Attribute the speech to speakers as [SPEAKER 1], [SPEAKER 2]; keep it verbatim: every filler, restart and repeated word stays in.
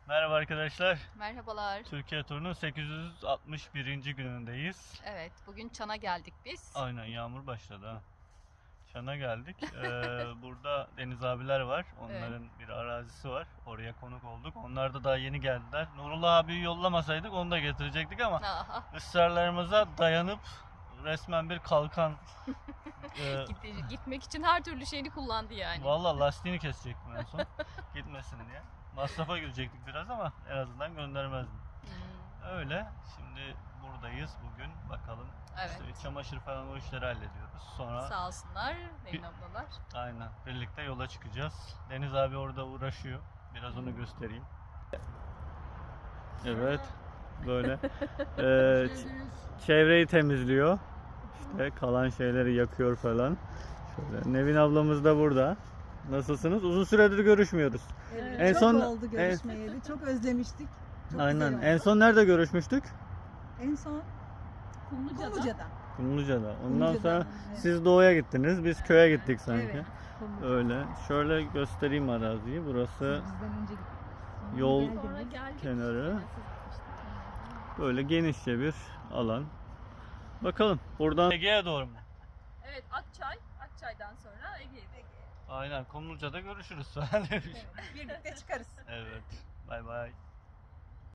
[SPEAKER 1] Merhaba arkadaşlar.
[SPEAKER 2] Merhabalar.
[SPEAKER 1] Türkiye turunun sekiz yüz altmış birinci günündeyiz.
[SPEAKER 2] Evet, bugün Çan'a geldik biz.
[SPEAKER 1] Aynen, yağmur başladı ha. Çan'a geldik. Ee, burada Deniz abiler var. Onların bir arazisi var. Oraya konuk olduk. Onlar da daha yeni geldiler. Nurullah abiyi yollamasaydık onu da getirecektik ama
[SPEAKER 2] Aha.
[SPEAKER 1] ısrarlarımıza dayanıp resmen bir kalkan e,
[SPEAKER 2] Gitti- Gitmek için her türlü şeyini kullandı yani.
[SPEAKER 1] Valla lastiğini kesecektim en son. Gitmesin diye. Masrafa girecektik biraz ama en azından göndermezdim.
[SPEAKER 2] Hmm,
[SPEAKER 1] Öyle. Şimdi buradayız bugün. Bakalım.
[SPEAKER 2] Evet.
[SPEAKER 1] İşte çamaşır falan o işleri hallediyoruz. Sonra
[SPEAKER 2] Sağ olsunlar Nevin
[SPEAKER 1] Bir-
[SPEAKER 2] ablalar.
[SPEAKER 1] aynen birlikte yola çıkacağız. Deniz abi orada uğraşıyor. Biraz onu göstereyim. Evet. Böyle. Ee, ç- çevreyi temizliyor. İşte kalan şeyleri yakıyor falan. Şöyle. Nevin ablamız da burada. Nasılsınız? Uzun süredir görüşmüyoruz.
[SPEAKER 3] Evet,
[SPEAKER 1] En
[SPEAKER 3] çok
[SPEAKER 1] son-
[SPEAKER 3] oldu görüşmeyeli. Çok özlemiştik. Çok
[SPEAKER 1] Aynen.
[SPEAKER 3] güzel oldu.
[SPEAKER 1] En son nerede görüşmüştük?
[SPEAKER 3] En son
[SPEAKER 2] Kumluca'da.
[SPEAKER 3] Kumluca'da.
[SPEAKER 1] Kumluca'da. Ondan
[SPEAKER 3] Kumluca'da,
[SPEAKER 1] sonra
[SPEAKER 3] evet.
[SPEAKER 1] siz doğuya gittiniz. Biz köye gittik sanki.
[SPEAKER 3] Evet. Kumluca.
[SPEAKER 1] Öyle. Şöyle göstereyim araziyi. Burası
[SPEAKER 3] Bizden önce gittik. Sonra
[SPEAKER 1] Yol-
[SPEAKER 3] geldiniz.
[SPEAKER 2] Sonra geldik.
[SPEAKER 1] kenarı.
[SPEAKER 2] Siz gitmiştiniz.
[SPEAKER 1] böyle genişçe bir alan. Bakalım. Buradan Ege'ye doğru mu?
[SPEAKER 2] Evet, Akçay. Akçay'dan sonra Ege'ye.
[SPEAKER 1] Aynen. Kumluca'da görüşürüz.
[SPEAKER 3] Evet, birlikte çıkarız.
[SPEAKER 1] Evet. Bay bay.